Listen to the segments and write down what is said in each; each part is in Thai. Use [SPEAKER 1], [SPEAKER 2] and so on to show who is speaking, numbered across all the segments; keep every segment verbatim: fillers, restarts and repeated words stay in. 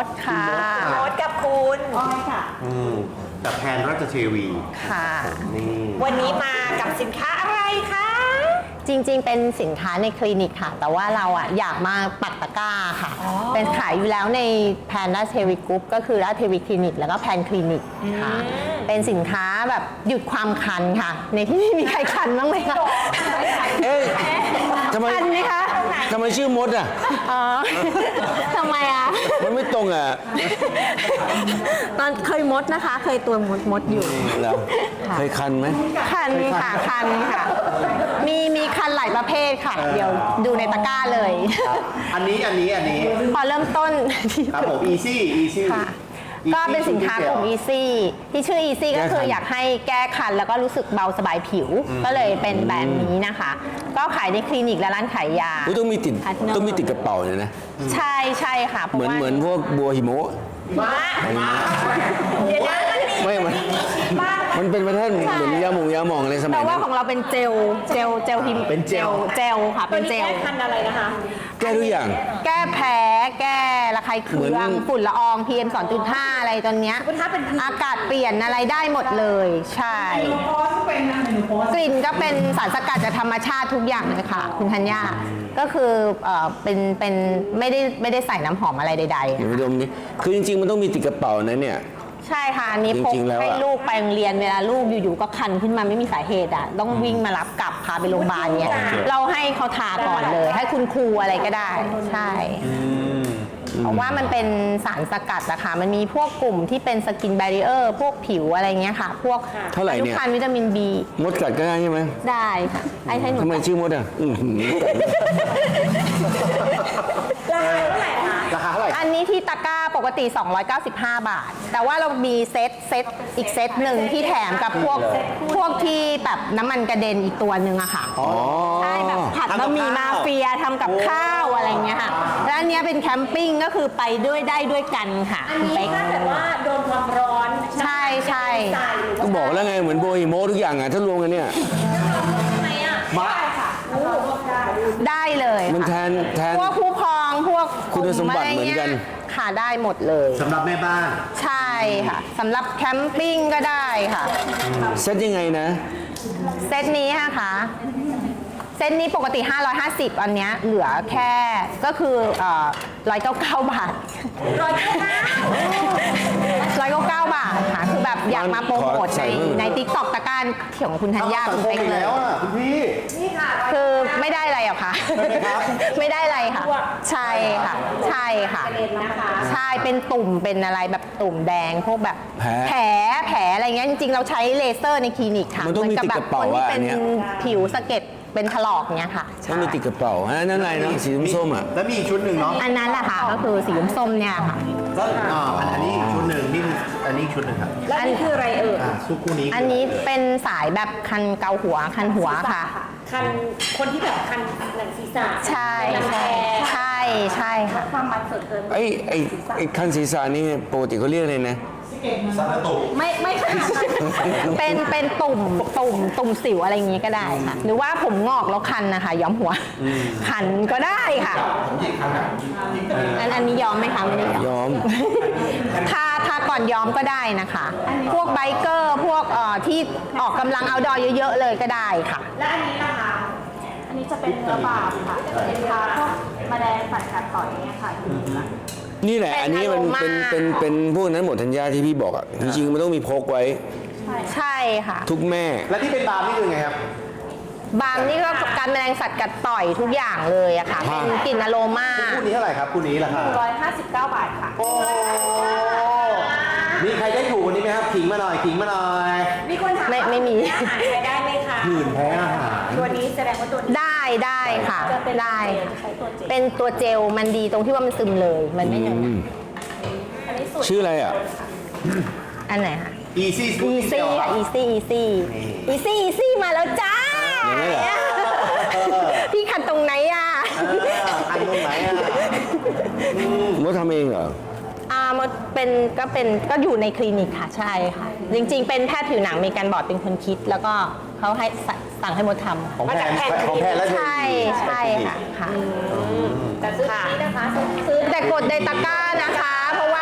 [SPEAKER 1] ดค่ะ
[SPEAKER 2] มดกับคุณอ้อยค่ะ
[SPEAKER 3] อืมกับแพนราชเทวี
[SPEAKER 1] ค่ะ
[SPEAKER 3] นี่
[SPEAKER 2] วันนี้มากับสินค้าอะไรคะ
[SPEAKER 1] จริงๆเป็นสินค้าในคลินิกค่ะ แต่ว่าเราอ่ะอยากมาปักตะกร้าค่ะเป็นขายอยู่แล้วในแพนราชเทวีกรุ๊ปก็คือราชเทวีคลินิกแล้วก็แพนคลินิกค่ะเป็นสินค้าแบบหยุดความคันค่ะ ในที่นี่มีใครคันบ้างไหมคะ
[SPEAKER 4] เอ้ยทำไม
[SPEAKER 1] คันไหมคะ
[SPEAKER 4] ทำไมชื่อมดอ่ะ
[SPEAKER 1] อ๋อทำไมอ่ะ
[SPEAKER 4] มันไม่ตรงอ่ะ
[SPEAKER 1] ตอนเคยมดนะคะ เคยตัวมดมดอยู่
[SPEAKER 4] แล้วเคยคันไหม
[SPEAKER 1] คันค่ะคันค่ะมีมีคันหลายประเภทค่ะ เดี๋ยวดูในตะกร้าเลย
[SPEAKER 3] อันนี้อันนี้อันนี้
[SPEAKER 1] พอเริ่มต้น
[SPEAKER 3] ครับผม easy easy
[SPEAKER 1] ค่ะก็เป็นสินค้ากลุ่ม easy ที่ชื่อ easy ก็คืออยากให้แก้คันแล้วก็รู้สึกเบาสบายผิว ก็เลยเป็นแบรนด์นี้นะคะ ก็ขายในคลินิกและร้านขายยา
[SPEAKER 4] ต้องมีติดต้องมีติดกระเป๋าเลยนะ
[SPEAKER 1] ใช่ใช่ค่ะ
[SPEAKER 4] เหมือนเหมือนพวกบัวหิมะ
[SPEAKER 2] เดี๋ยว
[SPEAKER 4] ไม่ มันมันเป็นประเทศเหมือนยาหมองยาหมองอะไรสมัย
[SPEAKER 1] แต่ว่าของเราเป็นเจลเจลเจลหิม
[SPEAKER 3] เป็นเจล
[SPEAKER 1] เจลค่ะเป็นเจล
[SPEAKER 2] แก้คันอะไรนะคะ
[SPEAKER 4] แก้ทุกอย่าง
[SPEAKER 1] แก้แพ้แก้ระคายเคืองฝุ่นละออง พี เอ็ม สองจุดห้า อะไรตอนเนี้ยอากาศเปลี่ยนอะไรได้หมดเลยใช่กลิ่นก็เป็นสารสกัดจากธรรมชาติทุกอย่างเลยค่ะคุณธัญญาก็คือเอ่อเป็นเป็นไม่ได้ไม่ได้ใส่น้ำหอมอะไรใดๆ
[SPEAKER 4] เดี๋ยวดมนี้คือจริงๆมันต้องมีติดกระเป๋านะเนี่ย
[SPEAKER 1] ใช่ค่ะอันนี้พกให้ลูกไปโรงเรียนเวลาลูกอยู่ๆก็คันขึ้นมาไม่มีสาเหตุอ่ะต้องวิ่งมารับกลับพาไปโรงพยาบาลเนี่ยเราให้เขาทาก่อนเลยให้คุณครูอะไรก็ได้ใช่เพราะว่ามันเป็นสารสกัดอะค่ะมันมีพวกกลุ่มที่เป็นสกินแบรีเออร์พวกผิวอะไรเงี้ยค่ะพวก
[SPEAKER 4] เท่าไหร่เนี่ย
[SPEAKER 1] วิตามิน B
[SPEAKER 4] มดกัดก็ได้ใช่ไหม
[SPEAKER 1] ได้ค่ะไอ้ให้หนู
[SPEAKER 4] ทำไมชื่อมดอ่ะ
[SPEAKER 3] ราคาเท่าไหร่
[SPEAKER 1] อันนี้ที่ตะกร้าปกติสองร้อยเก้าสิบห้าบาทแต่ว่าเรามีเซตเซตอีกเซตหนึ่งที่แถมกับพวกพวกที่แบบน้ำมันกระเด็นอีกตัวหนึ่งอะค่ะใช่แบบผัดบะหมี่มาเฟียทำกับข้าวอะไรเงี้ยค่ะแล้วอันนี้เป็นแคมปิ้งก็คือไปด้วยได้ด้วยกันค่ะ
[SPEAKER 2] อันนี้ถ้าเกิดว่าโดนความร้อน
[SPEAKER 1] ใช่ใช่
[SPEAKER 4] ก็บอกแล้วไงเหมือนโบฮิโมทุกอย่างอ่ะถ้ารวมกันเนี่ย
[SPEAKER 3] มา
[SPEAKER 1] ได้เลย
[SPEAKER 4] มันแทนแทน
[SPEAKER 1] พวกผู้พองพวก
[SPEAKER 4] คุณสมบัติเหมือนกัน
[SPEAKER 1] ค่ะได้หมดเลย
[SPEAKER 3] สำหรับแม่บ้าน
[SPEAKER 1] ใช่ค่ะสำหรับแคมปิ้งก็ได้ค่ะ
[SPEAKER 4] เซตยังไงนะ
[SPEAKER 1] เซตนี้ค่ะเซตนี้ปกติห้าร้อยห้าสิบอันเนี้ยเหลือแค่ก็คือเอ่อหนึ่งร้อยเก้าสิบเก้าบาท
[SPEAKER 2] หนึ่งร้อยเก้าสิบเก้า
[SPEAKER 1] หนึ่งร้อยเก้าสิบเก้าบาทค่ะคือแบบอยากมาโปรโมทในใน ติ๊กต็อก ตะการของคุณธัญญาคุณเป๊กเลย
[SPEAKER 3] คุณพี่
[SPEAKER 2] นี่ค่ะ
[SPEAKER 1] คือไม่ได้อะไรหรอคะไม่ได้อะไรค่ะใช่ค่ะใช่ค่ะใช่เป็นตุ่มเป็นอะไรแบบตุ่มแดงพวกแบบแผลแผลอะไรเงี้ยจริงๆเราใช้เลเซอร์ในคลินิกค่ะ
[SPEAKER 4] มันต้องมีติดกระเป๋า
[SPEAKER 1] ว่า
[SPEAKER 4] อันเนี้ย
[SPEAKER 1] ผิวสะเก็ดเป็นถลอกเนี้ยค่ะ
[SPEAKER 4] ต้องมีติดกระเป๋าอันนั้นอะไรเนาะสีส้มอ่ะ
[SPEAKER 3] แล้วมีอีกชุดหนึ่งเนาะ
[SPEAKER 1] อันนั้นแหละค่ะก็คือสีส้มเนี่ยค่ะ
[SPEAKER 3] ก็อ่าอันนี้อีกชุดหนึ่งนี่อันนี้ชุดหนึ่งครับ
[SPEAKER 2] แล้วอันนี้คืออะไรเอ่ย
[SPEAKER 3] ชุดคู่นี้
[SPEAKER 1] อันนี้เป็นสายแบบคันเกาหัวคันหัวค่ะ
[SPEAKER 2] คันคนที่แบบคันหนังศีรษะ
[SPEAKER 1] ใช่ใช่ใช่ใช่ค่ะ
[SPEAKER 2] ความมันส่วนเกิน
[SPEAKER 4] ไอ้ไอ้ไอ้คันศีรษะนี่ปกติเขาเรียกเลยนะ
[SPEAKER 2] ไม่ไม่ค่ะ
[SPEAKER 1] เป็นเป็นตุ่มตุ่มตุ่มสิวอะไรอย่างงี้ก็ได้ค่ะหรือว่าผมงอกแล้วคันนะคะย้อมหัวคันก็ได้ค่ะอันอันนี้ย้อมไหมคะไม่ได้
[SPEAKER 4] ย้อม
[SPEAKER 1] ทาทาก่อนย้อมก็ได้นะคะพวกไบเกอร์พวกเอ่อที่ออกกำลังเอาดอเยอะๆเลยก็ได้ค่ะ
[SPEAKER 2] และอันนี้นะคะอันนี้จะเป็นเนื้อบาบค่ะเป็นทาพวกแมลงสัตว์กัดต่อยเนี่ยค่ะ
[SPEAKER 4] นี่แหละอันนี้มันเป็นเป็นเป็นพวกนั้นหมดธัญญาที่พี่บอกอ่ะจริงๆมันต้องมีพกไว้
[SPEAKER 1] ใช่ค่ะ
[SPEAKER 4] ทุกแม่
[SPEAKER 3] และที่เป็นบาร์นี่คือไงครับ
[SPEAKER 1] บาร์นี่ก็การแมลงสัตว์กัดต่อยทุกอย่างเลยอะค่ะเป็นกลิ่นอโรมา
[SPEAKER 3] คู่นี้เท่าไหร่ครับคู่นี้ราคา
[SPEAKER 2] หนึ่งร้อยห้าสิบเก้าบาทค่ะ
[SPEAKER 3] โอ้มีใครได้ถูกวันนี้ไหมครับขิงมาหน่อยขิงมาหน่อย
[SPEAKER 2] มีคนถาม
[SPEAKER 1] ไม่ไม่มี
[SPEAKER 2] ใช้ได้ไหมคะ
[SPEAKER 3] ผื่นแพ้อาหาร
[SPEAKER 2] ตัวนี้แสดงว่าตัวนี้
[SPEAKER 1] ได้ได้ค่ะได้เป็นตัวเจลมันดีตรงที่ว่ามันซึมเลยมันไม่เหนียว
[SPEAKER 4] ชื่ออะไรอ่ะ
[SPEAKER 1] อันไหนคะ
[SPEAKER 3] easy
[SPEAKER 1] easy ค่ะ easy easy easy easy มาแล้วจ้าพี่ขัดตรงไหนอ่ะ
[SPEAKER 3] ขัดตรงไหนอ่ะ
[SPEAKER 4] มดทำเองเหรอ
[SPEAKER 1] อ่ามันเป็นก็เป็นก็อยู่ในคลินิกค่ะใช่ค่ะจริงๆเป็นแพทย์ผิวหนังมีการบอร์ดเป็นคนคิดแล้วก็เขาให้สั่งให้มดทำ
[SPEAKER 3] ของแพทย์ของแพทย์แล้ว
[SPEAKER 1] ใช่ใช่ค่ะค่ะ
[SPEAKER 2] แต่ซื้อที่นะคะซื้อ
[SPEAKER 1] แต่กดในตะกร้านะคะเพราะว่า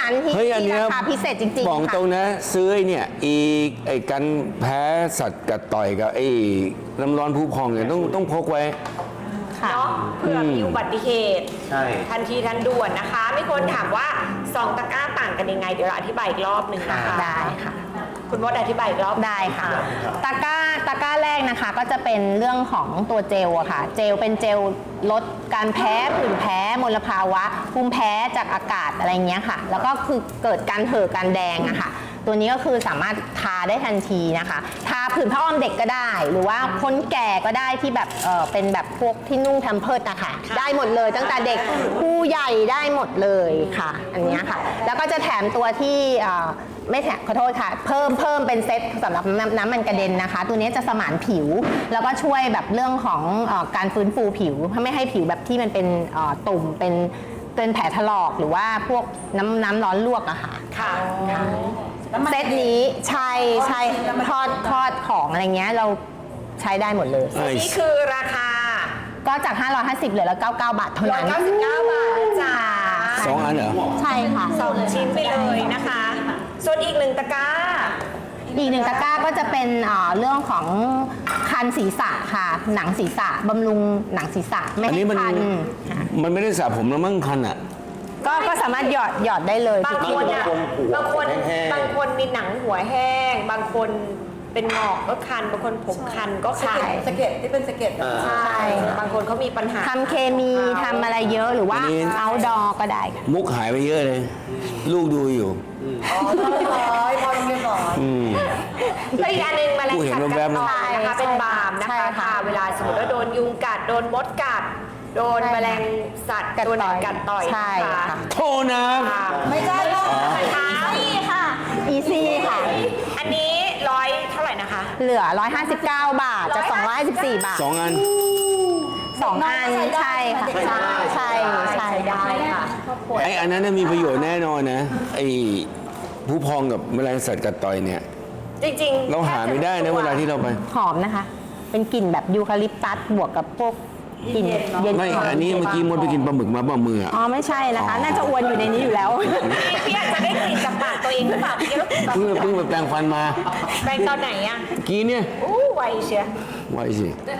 [SPEAKER 1] นั้นที่
[SPEAKER 4] เฮ้ยอัน
[SPEAKER 1] ที่
[SPEAKER 4] เนี้ย
[SPEAKER 1] ราคาพิเศษจริงๆ
[SPEAKER 4] บอก
[SPEAKER 1] ค่ะ
[SPEAKER 4] ตรงนะ ซื้อไอ้เนี่ยอีไอ้กันแพ้สัตว์กัดต่อยกับไอ้น้ำร้อนผู้พองเนี่ยต้องต้องพกไว้
[SPEAKER 1] ค่ะ
[SPEAKER 5] เนาะเผื่อมีอุบัติเหตุ
[SPEAKER 3] ใช่
[SPEAKER 5] ทันทีทันด่วนนะคะ มีคนถามว่าสองตะกร้าต่างกันยังไง เดี๋ยวเราอธิบายอีกรอบหนึ่งนะคะ
[SPEAKER 1] ได้ค่ะ
[SPEAKER 5] คุณมดอธิบายอีกรอบ
[SPEAKER 1] ได้ค่ะตะกร้าตะกร้าแรกนะคะก็จะเป็นเรื่องของตัวเจลอะค่ะ เจลเป็นเจลลดการแพ้ผื่นแพ้มลภาวะภูมิแพ้จากอากาศอะไรเงี้ยค่ะ แล้วก็คือเกิดการเห่อการแดงอะค่ะ ตัวนี้ก็คือสามารถทาได้ทันทีนะคะ ทาผื่นผ้าอ้อมเด็กก็ได้ หรือว่าคนแก่ก็ได้ที่แบบเออเป็นแบบพวกที่นุ่งแพมเพิร์สนะคะได้หมดเลยตั้งแต่เด็กผู้ใหญ่ได้หมดเลยค่ะ อันเนี้ยค่ะ แล้วก็จะแถมตัวที่เอ่อไม่แถมขอโทษค่ะ เพิ่มเพิ่มเป็นเซตสำหรับน้ำน้ำมันกระเด็นนะคะ ตัวนี้จะสมานผิว แล้วก็ช่วยแบบเรื่องของเอ่อการฟื้นฟูผิวไม่ให้ผิวแบบที่มันเป็นเอ่อตุ่มเป็นเป็นแผลถลอกหรือว่าพวกน้ำน้ำร้อนลวกอะค่ะ
[SPEAKER 5] ค่ะ
[SPEAKER 1] เซตนี้ใช่ใช่ทอดทอดของอะไรเงี้ยเราใช้ได้หมดเลย
[SPEAKER 4] เอ้ย
[SPEAKER 5] นี่คือราคา
[SPEAKER 1] ก็จาก ห้าร้อยห้าสิบเหลือละเก้าสิบเก้าบาทเท่านั้น
[SPEAKER 5] หนึ่งร้อยเก้าสิบเก้าบาทนะจ๊ะ
[SPEAKER 4] สองอันเหรอ
[SPEAKER 1] ใช่ค่ะ
[SPEAKER 5] สองชิ้นไปเลยนะคะ ส่วนอีกหนึ่งตะกร้า
[SPEAKER 1] อีกหนึ่งตะกร้าก็จะเป็นเอ่อเรื่องของคันศีรษะค่ะ หนังศีรษะบำรุงหนังศีรษะไม่
[SPEAKER 4] อัน
[SPEAKER 1] ให้
[SPEAKER 4] นี้มัน
[SPEAKER 1] คันค่ะ
[SPEAKER 4] มันไม่ได้สระผมแล้วมั้งคันอ่ะ
[SPEAKER 1] ก็ก็สามารถหยอดหยอดได้เลย
[SPEAKER 5] บางคนอ่ะบางคนบางคนมีหนังหัวแห้ง บางคนเป็นหงอกก็คัน บางคนผมคันก็คัน
[SPEAKER 6] สะเก็ดที่เป็นสะเก็ดอะ
[SPEAKER 5] ใช่ บางคนเขามีปัญหา
[SPEAKER 1] ทำเคมีทำอะไรเยอะหรือว่า
[SPEAKER 4] อันนี้
[SPEAKER 1] เอาดอก็ได้ค่ะ
[SPEAKER 4] มุกหายไปเยอะเลย ลูกดูอยู่
[SPEAKER 6] อ๋อเรียบร้อยพอเรียบร้อย
[SPEAKER 4] อืม
[SPEAKER 5] แล้วอีกอันหนึงแมลง
[SPEAKER 4] กูเห็น
[SPEAKER 5] สัตว์
[SPEAKER 4] แว
[SPEAKER 5] กับ ด
[SPEAKER 4] ๆ
[SPEAKER 5] ต่อยนะคะ เป็นบาล์มนะ
[SPEAKER 1] ใช่
[SPEAKER 5] คะ
[SPEAKER 1] ค่ะ
[SPEAKER 5] ค่ะเวลาสมมติว่าโดนยุงกัด โดนมดกัด โดน
[SPEAKER 1] ใช่ค่ะ
[SPEAKER 5] แมลงสัตว์
[SPEAKER 1] กัด
[SPEAKER 5] ตัวไหน
[SPEAKER 1] ต่อย
[SPEAKER 5] กัดต่อย
[SPEAKER 1] ใช่
[SPEAKER 5] นะคะ
[SPEAKER 1] ค่ะ
[SPEAKER 4] โทษนะ
[SPEAKER 5] ค่ะ
[SPEAKER 6] ไม่ใช่หรอก
[SPEAKER 5] เท้านี่ค่ะ
[SPEAKER 1] อีซี่ค่ะ
[SPEAKER 5] อันนี้ร้อยเท่าไหร่นะคะ
[SPEAKER 1] เหลือ หนึ่งร้อยห้าสิบเก้า บาทจาก สองร้อยห้าสิบสี่ บาท
[SPEAKER 4] สองอัน
[SPEAKER 1] สองอันใช่ค่ะใช่ใช่ใช่
[SPEAKER 5] ได้ค่ะ
[SPEAKER 4] ไอ้อันนั้นน่ะมีประโยชน์แน่นอนนะ ไอ้ผู้พองกับแมลงสัตว์กัดต่อยเนี่ย
[SPEAKER 5] จริงๆ
[SPEAKER 4] เราหาไม่ได้นะเวลาที่เราไป
[SPEAKER 1] หอมนะคะ เป็นกลิ่นแบบยูคาลิปตัสบวกกับพวกกลิ่นเย็น
[SPEAKER 4] ไม่
[SPEAKER 1] ห
[SPEAKER 4] อันนี้เมื่อกี้มดไปกินปลาหมึกมาเปล่ามืออะ
[SPEAKER 1] อ๋อไม่ใช่นะคะ น่าจะอวนอยู่ในนี้อยู่แล้ว
[SPEAKER 5] พี่พี่อาจจะได้กลิ่นจากปากตัวเองหรือเปล่าพี่รู้สึก
[SPEAKER 4] เพิ่งเพิ่งไปแปรงฟันมา
[SPEAKER 5] แปลงตอนไหนอ่ะ
[SPEAKER 4] เมื่อกี้เนี่ย
[SPEAKER 5] อู้ไวเชีย
[SPEAKER 4] ไว้สิ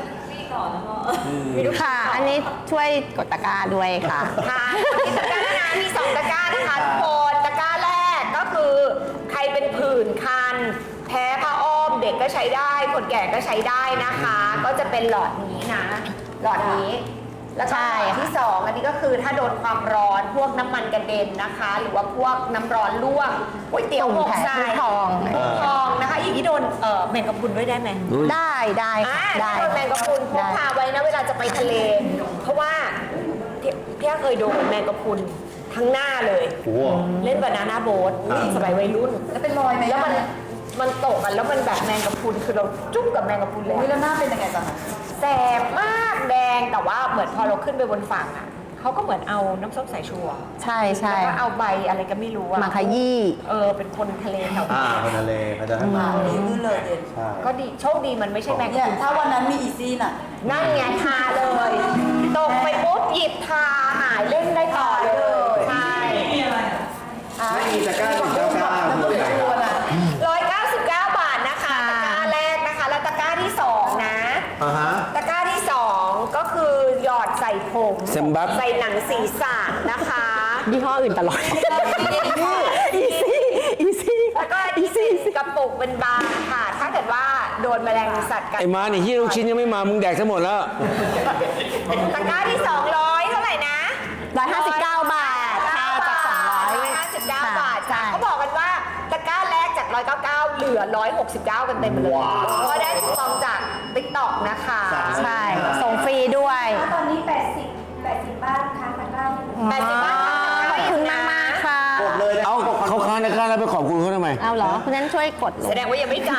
[SPEAKER 1] ค่ะ อันนี้ช่วยกดตะกร้าด้วยค่ะ
[SPEAKER 5] ค่ะมีตะกร้านะมีสองตะกร้านะคะทุกคนตะกร้าแรกก็คือใครเป็นผื่นคัน แพ้ผ้าอ้อมเด็กก็ใช้ได้ คนแก่ก็ใช้ได้นะคะ ก็จะเป็นหลอดนี้นะ หลอดนี้ แล้วก็
[SPEAKER 1] ใช่
[SPEAKER 5] หลอดที่สองอันนี้ก็คือถ้าโดนความร้อนพวกน้ำมันกระเด็นนะคะ หรือว่าพวกน้ำร้อนลวกก๋วยเตี๋ยวหมกทราย
[SPEAKER 1] ตุ่มแผลผู้พอง
[SPEAKER 5] ผู้พองนะคะอย่างนี้โดนเอ่อแมงกะพรุนด้วยได้ไหม
[SPEAKER 4] อุ๊ย
[SPEAKER 1] ได้ได้
[SPEAKER 5] อ่า
[SPEAKER 1] ค่ะได้
[SPEAKER 5] โดนแมงกะพรุนพกพาไว้นะเวลาจะไปทะเล เพราะว่าพี่พี่เคยโดนแมงกะพรุนทั้งหน้าเลย
[SPEAKER 3] โอ้โห
[SPEAKER 5] เล่นบานาน่าโบ๊ทสมัยวัยรุ่น
[SPEAKER 6] แล้วเป็นรอยไหม
[SPEAKER 5] แล้วมันมันตกกันแล้วมันแบบแมงกะพรุนคือเราจุ้มกับแมงกะพรุนเลย
[SPEAKER 6] วิลหน้าเป็นยังไงตอนนั้น
[SPEAKER 5] แสบมากแดงแต่ว่าเหมือนพอเราขึ้นไปบนฝั่งอ่ะเขาก็เหมือนเอาน้ำส้มสายชูอะ
[SPEAKER 1] ใช่ใช่
[SPEAKER 5] แล้วก็เอาใบอะไรก็ไม่รู้อะ
[SPEAKER 1] มาขยี้
[SPEAKER 5] เออเป็นคนทะเลแถว
[SPEAKER 3] อ่า
[SPEAKER 5] นี้
[SPEAKER 3] คนทะเลเขาจะทำ
[SPEAKER 6] อ่าดีขึ้นเลยเด่น
[SPEAKER 3] ใช่
[SPEAKER 5] ก็ดีโชคดีมันไม่ใช่แมงกะ
[SPEAKER 6] เนี่ย
[SPEAKER 5] พรุน
[SPEAKER 6] ถ้าวันนั้นมีอีซี่น่ะ
[SPEAKER 5] นั่นไงทาเลย ตกไปปุ๊บหยิบทาหายเล่นได้ต่อเลยใช่
[SPEAKER 3] ไม่มีตะกร้าหนึ่งเก้าเก้าคืออะไรครับ
[SPEAKER 5] ร้อยเก้าสิบเก้าบาทนะคะตะกร้าแรกนะคะ แล้วตะกร้าที่สองนะ
[SPEAKER 3] อ่าฮะ
[SPEAKER 5] ตะกร้าที่สองก็คือหยอดใส่ผม
[SPEAKER 4] เซมบับ
[SPEAKER 5] ใส่หนังศีรษะนะคะ
[SPEAKER 1] ยี่ห้ออื่นตลอด อีซี่อีซี่
[SPEAKER 5] แล้วก็ที่สี่กระปุกเป็นบาร์ค่ะ ถ้าเกิดว่าโดนแมลงสัตว์กัด
[SPEAKER 4] ไอ้มาเนี่ยที่ลูกชิ้นยังไม่มา มึงแดกซะหมดแล้ว
[SPEAKER 5] ตะกร้าที่สองร้อยเท่าไหร่นะ
[SPEAKER 1] ร้อยห้าสิบเก้าบาทค่ะจากสองร้อย
[SPEAKER 5] ห้าสิบเก้าบาท
[SPEAKER 1] ใช่
[SPEAKER 5] เขาบอกกันว่าตะกร้าแรกจากร้อยเก้าเก้าเหลือร้อยหกสิบเก้ากันเต็มเลยก็ได้คูปองจากติ๊กต็อกนะคะ
[SPEAKER 1] ใช่ ส่งฟรีด้วย
[SPEAKER 2] ตอนนี้ แปดสิบ แปดสิบบ้านค้างตะกร้าอยู่
[SPEAKER 5] แปดสิบบาท
[SPEAKER 1] ขอบคุณมากมากๆค่ะ
[SPEAKER 3] กดเลยนะ
[SPEAKER 4] เอาเขาค้างนะค้างแล้วไปขอบคุณเขาทำไม
[SPEAKER 1] เอาเหรอคุณนั้นช่วยกดล
[SPEAKER 5] แส
[SPEAKER 1] ง
[SPEAKER 5] ดงว่ายังไม่จ่าย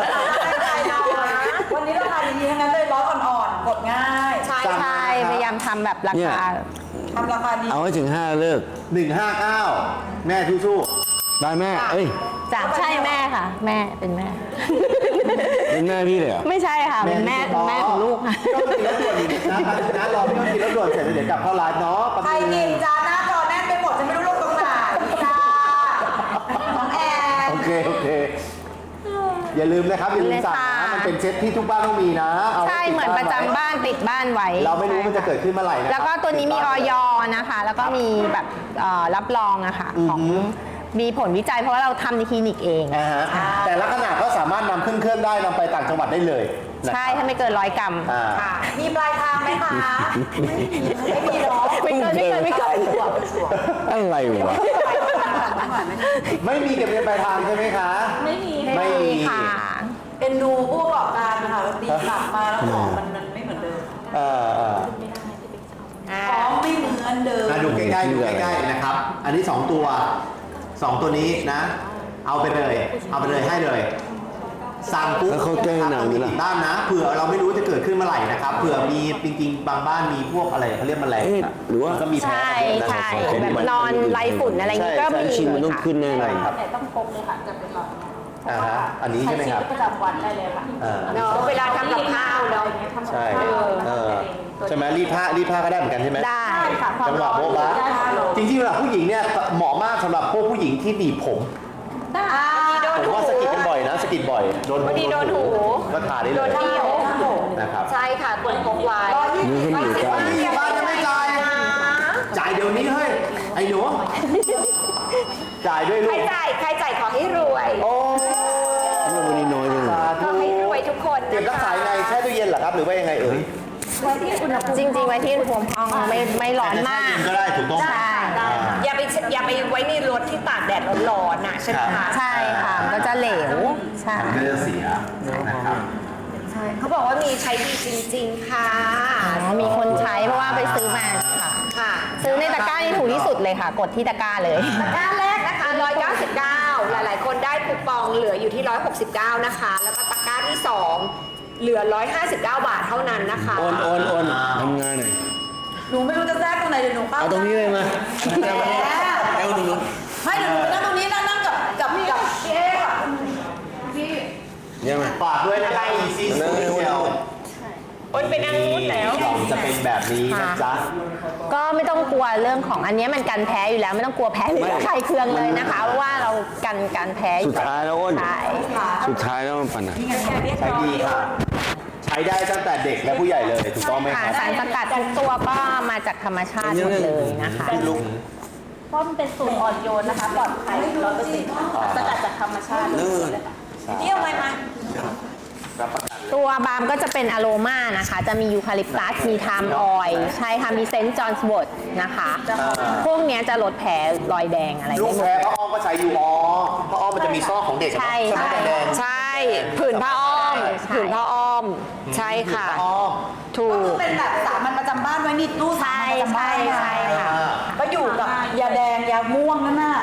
[SPEAKER 6] วันนี้ราคาดีๆทั้งนั้นเลยร้อยอ่อนๆ กดง่าย
[SPEAKER 5] ใช่
[SPEAKER 1] ใช่พยายามทำแบบรา
[SPEAKER 4] เนี่ย
[SPEAKER 1] คา
[SPEAKER 6] ทำราคาดี
[SPEAKER 4] เอาให้ถึงห้าเลิก
[SPEAKER 3] หนึ่งห้าเก้าแม่สู้
[SPEAKER 4] ได้แม่ เอ้ย
[SPEAKER 1] จากใช่แม่ค่ะ แม่เป็นแม่
[SPEAKER 4] เป็นแม่พี่เลยเหรอ
[SPEAKER 1] ไม่ใช่ค่ะ
[SPEAKER 3] ๆ
[SPEAKER 1] เป็นแม่เป็นแม่ของลูกค่ะ
[SPEAKER 3] ก็กินแล้วด่วนอีกนะนะรอพี่ต้องกินแล้วด่วนเสร็จแล้วเดี๋ยวกลับเข้าร้านเนาะ
[SPEAKER 6] ใครกินจานหน้าจอแน่นไปหมดจะไม่รู้ลงตรงไหนจ้า
[SPEAKER 3] อย่าลืมนะครับอย่าลืมสั่งนะมันเป็นเซ็ตที่ทุกบ้านต้องมีนะเอาไว้
[SPEAKER 1] ใช่
[SPEAKER 3] ติด
[SPEAKER 1] เหมือนประจำ
[SPEAKER 3] ไว้
[SPEAKER 1] บ้านติดบ้านไว้
[SPEAKER 3] เราไม่รู้มันจะเกิดขึ้นเมื่อไหร่นะ
[SPEAKER 1] แล้วก็ตัวนี้มีออยนะคะ แล้วก็มีแบบเอ่อรับรองอะค่ะของมีผลวิจัยเพราะว่าเราทำในคลินิกเอง
[SPEAKER 3] อ่าฮะแต่ละขนาดก็สามารถนำขึ้นเครื่องได้นำไปต่างจังหวัดได้เลยนะครับ
[SPEAKER 1] ใช่ถ้าไม่เกินร้อยกรัม
[SPEAKER 3] อ่า
[SPEAKER 5] ค่ะ มีปลายทางไหมคะ
[SPEAKER 6] ไม่มีหรอก
[SPEAKER 1] ไม่เกินไม่เกินไม่เกิน
[SPEAKER 4] อะไรวะ
[SPEAKER 3] ไม่มีเก็บเงินปลายทางใช่ไหมคะ
[SPEAKER 2] ไม่มี
[SPEAKER 3] ไม่มี
[SPEAKER 1] ค่ะ
[SPEAKER 6] เอ็นดูผู้ประกอบการนะคะแล้วตีกลับมาแล้วของมันมันไม่เหมือนเดิม
[SPEAKER 3] เออเออ
[SPEAKER 6] ของไม่เหมือนเดิม
[SPEAKER 3] มาดูใกล้ๆดูใกล้ๆนะครับ อันนี้สองตัวสองตัวนี้นะ เอาไปเลย เอาไปเลยให้เลย สั่งปุ๊บ
[SPEAKER 4] แล้วเขาแก้หนังนี่ล่ะ
[SPEAKER 3] ติดบ้านนะเผื่อเราไม่รู้จะเกิดขึ้นเมื่อไหร่นะครับเผื่อมีจริงๆบางบ้านมีพวกอะไรเขาเรียกแมลง
[SPEAKER 4] เอ๊ะหรือว่า
[SPEAKER 3] ก็มีแพ้
[SPEAKER 1] ใช่
[SPEAKER 3] นะ
[SPEAKER 1] ใช่
[SPEAKER 3] ขอ
[SPEAKER 1] แบบนอนไล่ฝุ่นอะไรอย่างงี้ก็
[SPEAKER 4] ใช่
[SPEAKER 1] มี
[SPEAKER 4] ชินมันต้อง
[SPEAKER 1] ค่ะ
[SPEAKER 4] ขึ้นแน่เลย
[SPEAKER 3] ครับ
[SPEAKER 2] แต่ต้องพกเลยค่ะจะเป็นหลอด
[SPEAKER 3] อ่าฮะอันนี้ใช่ไหมครับ
[SPEAKER 2] ชีวิตประจำวันได้เลยค่ะ
[SPEAKER 3] อ่า
[SPEAKER 5] เนาะเวลาทำกับข้าวเนาะ
[SPEAKER 2] ทำกับ
[SPEAKER 3] ใช่
[SPEAKER 2] ข้าว
[SPEAKER 3] เออใช่ไหมรีดผ้ารีดผ้าก็ได้เหมือนกันใช่ไหม
[SPEAKER 1] ได้
[SPEAKER 2] ได้ค่ะความ
[SPEAKER 3] จังหวะ
[SPEAKER 2] ร้อน
[SPEAKER 3] โบ๊ะบะ
[SPEAKER 2] ได้ค่ะ
[SPEAKER 3] จริงๆเวลาผู้หญิงเนี่ยเหมาะมากสำหรับพวกผู้หญิงที่หนีบผม
[SPEAKER 2] ได้
[SPEAKER 5] โดน
[SPEAKER 3] ผม
[SPEAKER 5] หู
[SPEAKER 3] ว่าสะกิดกันบ่อยนะสะกิดบ่อยโดน
[SPEAKER 5] พอดีโดนหู
[SPEAKER 3] ก็ทาได้
[SPEAKER 5] โด
[SPEAKER 3] เลย
[SPEAKER 5] นที่หู
[SPEAKER 3] นะครับ
[SPEAKER 5] ใช่ค่ะควรพกไว้
[SPEAKER 4] นี่เขาอยู่กัน
[SPEAKER 3] นี่บ้านยังไม่จ่ายจ่ายเดี๋ยวนี้เฮ้ยไอ้หนูจ่ายด้วย
[SPEAKER 5] ใค
[SPEAKER 3] ลู
[SPEAKER 5] ร
[SPEAKER 3] ก
[SPEAKER 5] จ่ายใครจ่ายขอให้รวย
[SPEAKER 3] โอ้
[SPEAKER 4] เรื่องวันนี้น้อยจังเลย
[SPEAKER 3] สา
[SPEAKER 5] ข
[SPEAKER 3] ธุ
[SPEAKER 5] อให้รวยทุกคน
[SPEAKER 3] เก็บรักษายังไงแช่ตู้เย็นเหรอครับหรือว่ายังไงเอ่ย
[SPEAKER 1] จริงๆไว้ที่อุณหภูมิห้องไม่ไม่ร้อนมาก
[SPEAKER 3] แช่เย็นก็ได้ถูกต้อง
[SPEAKER 1] ใช่
[SPEAKER 5] อย่าไปอย่าไปไว้ในรถที่ตากแดดร้อนๆนะใช่ไหมคะ
[SPEAKER 1] ใช่ค่ะมันก็จะเหลวใช่
[SPEAKER 3] มันก็จะเสียนะครับ
[SPEAKER 5] ใช่เขาบอกว่ามีใช้ดีจริง ๆ ค่ะ
[SPEAKER 1] อ๋อมีคนใช้เพราะว่าไปซื้อมาค่ะ
[SPEAKER 5] ค่ะ
[SPEAKER 1] ซื้อในตะกร้านี่ถูกที่สุดเลยค่ะ กดที่ตะกร้าเลย
[SPEAKER 5] ตะกร้าแรกนะคะหนึ่งร้อยเก้าสิบเก้าหลายๆ คนได้คูปองเหลืออยู่ที่หนึ่งร้อยหกสิบเก้านะคะ แล้วก็ตะกร้าที่สองเหลือหนึ่งร้อยห้าสิบเก้าบาทเท่านั้นนะคะ
[SPEAKER 4] โอนโอนโอนทำงานหน่อย
[SPEAKER 6] หนูไม่รู้จะแทรกตรงไหนเดี๋ยวหนูเข้า
[SPEAKER 4] เอาตรงนี้เลยมา
[SPEAKER 6] แล้ว
[SPEAKER 4] เอาตรงนู้น
[SPEAKER 6] ไม่เดี๋ยวหนูไปนั่งตรงนี้นะนั่งกับกับกับพี่เอ๊ะอะ
[SPEAKER 4] ยังไง
[SPEAKER 3] ฝากด้วยนะครับ Easy Special
[SPEAKER 5] โอนไปนั่งนู้นแล้ว
[SPEAKER 3] กล่องจะเป็นแบบนี้นะจ๊ะ
[SPEAKER 1] ก็ไม่ต้องกลัวเรื่องของอันเนี้ยมันกันแพ้อยู่แล้วไม่ต้องกลัวแพ้หรือใครเคืองเลยนะคะเพราะว่าเรากันการแพ้อ
[SPEAKER 4] สุ
[SPEAKER 1] ยู่
[SPEAKER 4] ดท้ายแล้วอ้น
[SPEAKER 1] ใช่
[SPEAKER 4] สุดท้ายแล้วมันปัญหา
[SPEAKER 3] ใช้ดีค่ะ ใช้ได้ตั้งแต่เด็กและผู้ใหญ่เลยถูกต้องไหม
[SPEAKER 1] ค่ะ
[SPEAKER 3] ครับ
[SPEAKER 1] สารสกัดทุกตัวก็มาจากธรรมชาติหมดเลยนะคะ
[SPEAKER 3] ลูก
[SPEAKER 2] เพราะมันเป็นสูตรอ่อนโยนนะคะปลอดภัยร้อยเปอร์เซ็นต์สกัดจากธรรมชาติเลยค่ะ
[SPEAKER 6] นี่เอาไงมา
[SPEAKER 3] รับประกัน
[SPEAKER 1] ตัวบาล์มก็จะเป็นอะโรมานะคะ จะมียูคาลิปตัส มีไทม์ออยล์ใช่ค่ะ มีเซนต์จอห์นสวอตนะคะ พวกเนี้ยจะลดแผลรอยแดงอะไร
[SPEAKER 3] ลู
[SPEAKER 1] ได้
[SPEAKER 3] ก
[SPEAKER 1] หมด
[SPEAKER 3] แพ้พ่ออ้อมก็ใช้อยู่อ๋อพ่ออ้อมมันจะมีซอกของเด็กอะ
[SPEAKER 1] ใช่
[SPEAKER 3] เนาะ
[SPEAKER 1] ใช่
[SPEAKER 3] แดง
[SPEAKER 5] ใช่ผืนผ้าอ้อม
[SPEAKER 1] ใช่
[SPEAKER 5] ผืนผ้าอ้อม ใช่ค่ะ
[SPEAKER 3] อ๋อ
[SPEAKER 5] ถู
[SPEAKER 6] ก็คื
[SPEAKER 5] ก
[SPEAKER 6] อเป็นแบบสามัญประจำบ้านไว้นี่ตู้สา
[SPEAKER 1] ใช่
[SPEAKER 6] มัญประจำบ้าน
[SPEAKER 1] ใช่ใช่ค่ะ
[SPEAKER 6] ก็อยู่กับยาแดงยาม่วงนั่นน่ะ